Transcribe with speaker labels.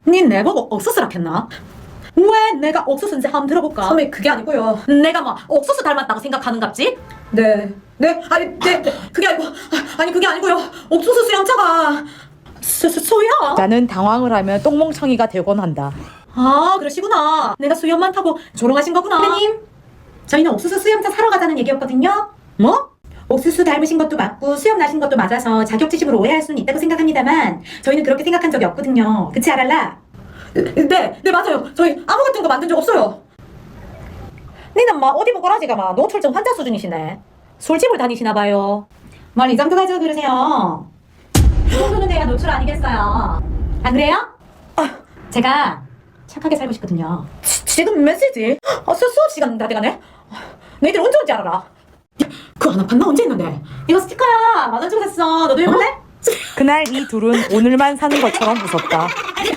Speaker 1: 니 내보고 옥수수라 했나? 왜 내가 옥수수인지 한번 들어볼까?
Speaker 2: 선배 그게 아니고요.
Speaker 1: 내가 뭐 옥수수 닮았다고 생각하는갑지?
Speaker 2: 네. 그게 아니고 아니 그게 아니고요. 옥수수 수염차가
Speaker 1: 수염?
Speaker 3: 나는 당황을 하며 똥멍청이가 되곤 한다.
Speaker 1: 아 그러시구나. 내가 수염 많다고 조롱하신 거구나.
Speaker 2: 선배님, 저희는 옥수수 수염차 사러 가자는 얘기였거든요.
Speaker 1: 뭐?
Speaker 2: 옥수수 닮으신 것도 맞고 수염 나신 것도 맞아서 자격지심으로 오해할 수는 있다고 생각합니다만 저희는 그렇게 생각한 적이 없거든요. 그치 아랄라? 네 맞아요. 저희 아무 같은 거 만든 적 없어요.
Speaker 1: 니는 막 어디 보고라지가 막 노출증 환자 수준이시네. 술집을 다니시나 봐요.
Speaker 2: 뭘 이 정도 가지고 그러세요? 이 정도는 돼야 노출 아니겠어요? 안 그래요? 제가 착하게 살고 싶거든요.
Speaker 1: 지금 몇 시지? 수업 시간 다 돼가네. 너희들 언제 온지 알아라.
Speaker 2: 그 하나 판나 언제 했는데? 이거 스티커야. 10,000원 주고 샀어. 너도 해볼래?
Speaker 3: 그날 이 둘은 오늘만 사는 것처럼 웃었다.